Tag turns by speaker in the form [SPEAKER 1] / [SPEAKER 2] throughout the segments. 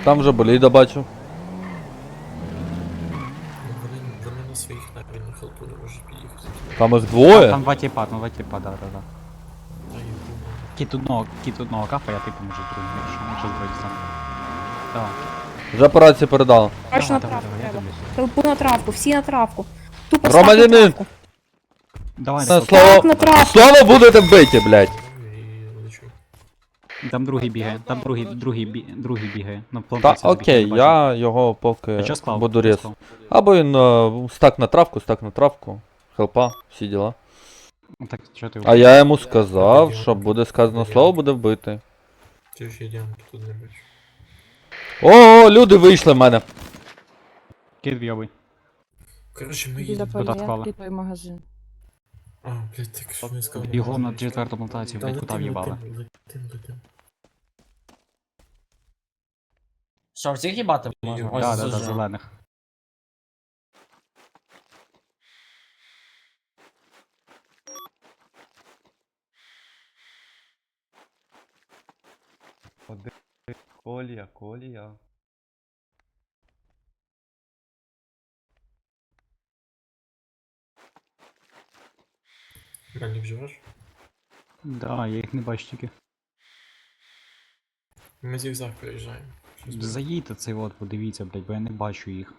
[SPEAKER 1] Там вже боліда бачу.
[SPEAKER 2] Вони на своїх навіть на хелпу не можуть під'їхати.
[SPEAKER 1] Там їх двоє.
[SPEAKER 3] Там два типа, да.
[SPEAKER 2] Та їх
[SPEAKER 3] Кіт одного кафа, я типу можу другим, якщо збройся сам. Давай.
[SPEAKER 1] Вже по рації передав.
[SPEAKER 4] Бачу, на
[SPEAKER 3] Давай,
[SPEAKER 4] травку
[SPEAKER 3] я
[SPEAKER 4] треба.
[SPEAKER 3] дивлюсь.
[SPEAKER 4] Толпу на травку, всі на травку. Тупо став на
[SPEAKER 1] Громадянин!
[SPEAKER 4] травку.
[SPEAKER 3] Давай,
[SPEAKER 1] На
[SPEAKER 3] давай.
[SPEAKER 1] слово,
[SPEAKER 4] на травку.
[SPEAKER 1] слово будете вбиті, блядь.
[SPEAKER 2] і лечу.
[SPEAKER 3] Там другий бігає, там другий бігає. На
[SPEAKER 1] Та
[SPEAKER 3] плантації
[SPEAKER 1] окей,
[SPEAKER 3] бачу.
[SPEAKER 1] я його поки
[SPEAKER 3] А чо склав?
[SPEAKER 1] буду
[SPEAKER 3] Чо
[SPEAKER 1] різ.
[SPEAKER 3] склав?
[SPEAKER 1] Або він стак на травку, хелпа, всі діла.
[SPEAKER 3] Ну, так, що ти?
[SPEAKER 1] А я йому сказав, що буде сказано слово, буде вбити.
[SPEAKER 2] Ти ж ідемо, тут не бачу.
[SPEAKER 1] О, люди вийшли в мене.
[SPEAKER 3] Кіт вйобий.
[SPEAKER 2] Коротше, ми
[SPEAKER 5] Біля
[SPEAKER 2] їдемо.
[SPEAKER 3] Куда
[SPEAKER 5] полі,
[SPEAKER 3] вклали?
[SPEAKER 5] той магазин.
[SPEAKER 2] А, блядь, так що не сказав.
[SPEAKER 3] Бігом на четверту плантацію, блядь, кута в'їбали.
[SPEAKER 2] Летим.
[SPEAKER 6] Що, всіх їбати можна? Ось
[SPEAKER 3] Да,
[SPEAKER 6] зажав.
[SPEAKER 3] зелених.
[SPEAKER 1] Колія.
[SPEAKER 2] Мені вживеш?
[SPEAKER 3] Да, я їх не бачу тільки.
[SPEAKER 2] Ми зігзаг проїжджаємо. Щось буде.
[SPEAKER 3] Заїдьте цей от, подивіться, блядь, бо я не бачу їх.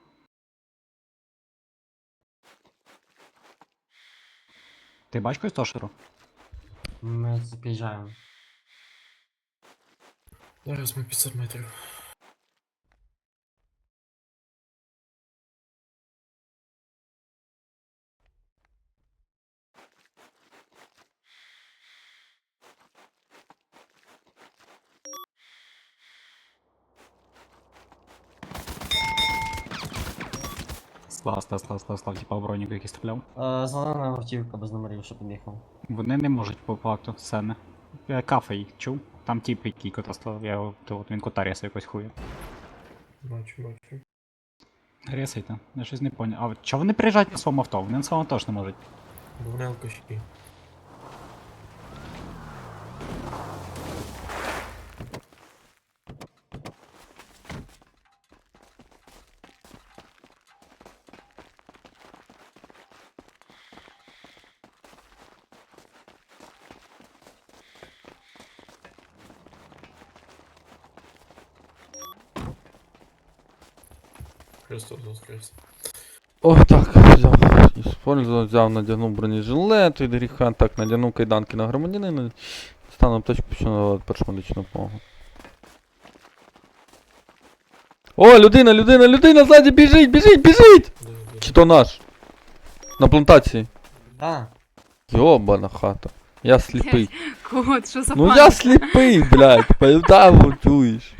[SPEAKER 3] Ти бачиш когось Тошеру?
[SPEAKER 6] Ми під'їжджаємо.
[SPEAKER 2] Зараз ми 500 метрів.
[SPEAKER 3] Слав, типа броніку який стріляв.
[SPEAKER 6] Зелена автівка без номерів, що під'їхав.
[SPEAKER 3] Вони не можуть по факту, сцени. Кафе їх чув? Там тип, який кота став, я його, то от він кота ряса якось хує.
[SPEAKER 2] Бачу.
[SPEAKER 3] Рясайте, я щось не поняв. А чого вони приїжджають на своєму авто? Вони на своєму авто ж не можуть.
[SPEAKER 2] Бо вони алкаші. Христос воскрес.
[SPEAKER 1] Ой, так, взяв, использовал, взяв, надягнув бронежилет, від гріха, так, надягнув кайданки на громадянина, стану аптечку, пішов на першу медичну допомогу. О, людина, ззаді, біжить! Чи то наш? На плантації.
[SPEAKER 6] Да.
[SPEAKER 1] Йобана хата. Я сліпий.
[SPEAKER 4] Кот, що за
[SPEAKER 1] Ну
[SPEAKER 4] паніка?
[SPEAKER 1] я сліпий, блядь, поэтому чуєш.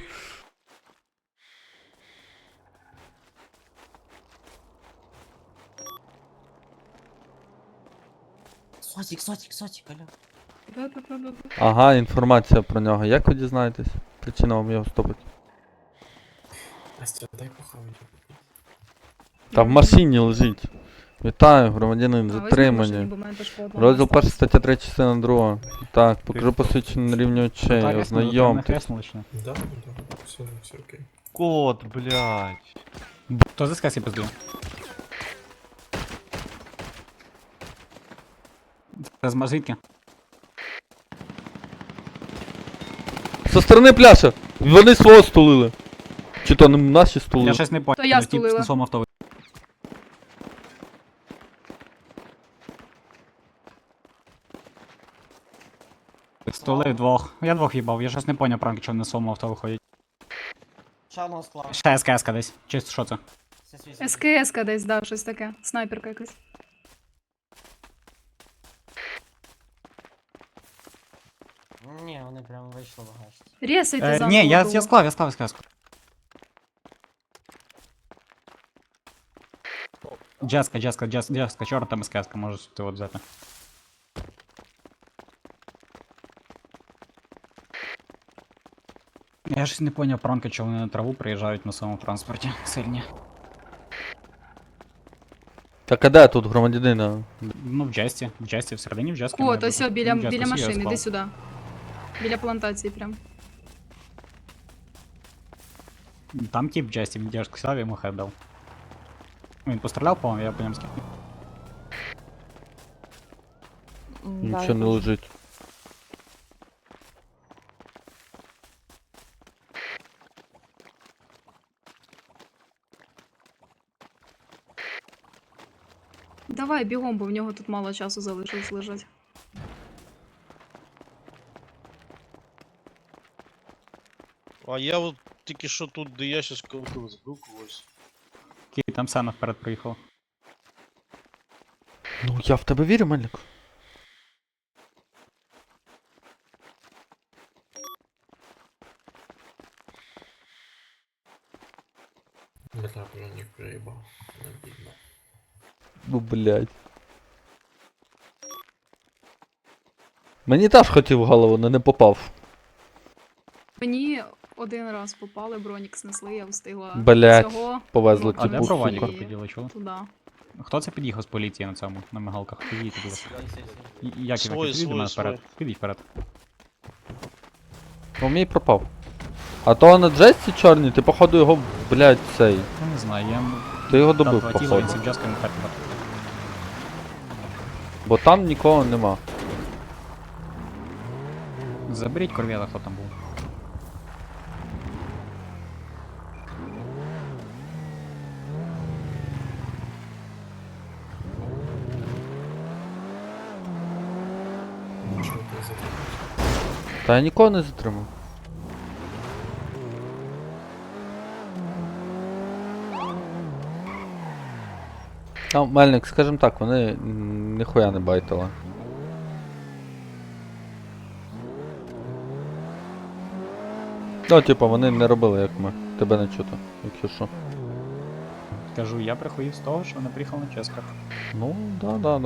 [SPEAKER 6] Сотик, Аля.
[SPEAKER 4] Да-да-да-да.
[SPEAKER 1] Ага, інформація про нього. Як ви дізнаєтесь? Причина вам його стопить.
[SPEAKER 2] Настя, дай похавати.
[SPEAKER 1] Та в машині лежить. Вітаю, громадянин,
[SPEAKER 4] А,
[SPEAKER 1] затримані. Розділ 1, стаття 3, частина 2. Так, покажу посвідчення на рівні очей, ознайомтесь.
[SPEAKER 2] Да, все окей.
[SPEAKER 7] Кот, блядь.
[SPEAKER 3] Хто за скасі пиздує? Звідки?
[SPEAKER 1] Со сторони пляша! Вони свого стулили. Чи то не наші стулили?
[SPEAKER 3] Я щось не понял.
[SPEAKER 4] То я
[SPEAKER 3] Тип
[SPEAKER 4] стулила.
[SPEAKER 3] на своєму авто. Стулив двох. Я двох їбав, я щось не поняв, пранк, чого на своєму авто виходять.
[SPEAKER 6] Ще одного склав.
[SPEAKER 3] Ще СКС десь. Чи що це?
[SPEAKER 4] СКС-ка десь, да, щось таке. Снайперка якась.
[SPEAKER 6] Ні, вони прям вийшли багажці.
[SPEAKER 4] Рєсайте за
[SPEAKER 3] Ні, я склав. Джеска, чорна там СКС-ка, можеш ти от взяти. Я щось не поняв, пранка, чого вони на траву приїжджають на своєму транспорті. Сильні.
[SPEAKER 1] Так а де тут громадянина?
[SPEAKER 3] Ну, в Джесті, всередині в Джесті.
[SPEAKER 4] Кот, ось біля
[SPEAKER 3] Джеска, всі
[SPEAKER 4] машини,
[SPEAKER 3] я
[SPEAKER 4] іди
[SPEAKER 3] склав.
[SPEAKER 4] сюди. Біля плантації прям.
[SPEAKER 3] Там тип в Джесті, він сказав, я йому хед дав. Він постріляв, по-моєму, я по ньому скинув.
[SPEAKER 1] Нічого не лежить.
[SPEAKER 4] Давай бігом, бо в нього тут мало часу залишилось лежать.
[SPEAKER 5] А я от тільки що тут, де я щас колотив, збив когось.
[SPEAKER 3] Окей, там Сена вперед приїхав.
[SPEAKER 1] Ну, я в тебе вірю, Мельник.
[SPEAKER 2] Дмитра бронік проїбав. Не бідно.
[SPEAKER 1] Ну, блядь. Мені теж хотів в голову, але не попав.
[SPEAKER 4] Мені один раз попали, бронік снесли, я встигла
[SPEAKER 1] Блядь,
[SPEAKER 4] цього.
[SPEAKER 1] повезли
[SPEAKER 3] А де
[SPEAKER 1] типу,
[SPEAKER 3] проваліка
[SPEAKER 1] сука.
[SPEAKER 3] піділи, чули?
[SPEAKER 4] Туди.
[SPEAKER 3] Хто це під'їхав з поліції на цьому, на мигалках? Підійдіть, будь ласка. Як
[SPEAKER 5] Свої,
[SPEAKER 3] його підійдіть до мене
[SPEAKER 5] свої,
[SPEAKER 3] вперед? Підіть вперед.
[SPEAKER 1] Ну, мій пропав. А то на Джесті чорний, ти походу його, блядь, цей.
[SPEAKER 3] Я не знаю, я
[SPEAKER 1] Ти його
[SPEAKER 3] дав
[SPEAKER 1] добив,
[SPEAKER 3] два тіла,
[SPEAKER 1] походу.
[SPEAKER 3] він сів джаскою вперед.
[SPEAKER 1] Бо там нікого нема.
[SPEAKER 3] Заберіть корвета, хто там був.
[SPEAKER 2] Що ти затримався?
[SPEAKER 1] Та я нікого не затримав. Ну, Мельник, скажімо так, вони ніхуя не байтили. Ну, типа, вони не робили, як ми. Тебе не чути, якщо що.
[SPEAKER 3] Кажу, я приходив з того, що вони приїхали на Ческар.
[SPEAKER 1] Ну, да.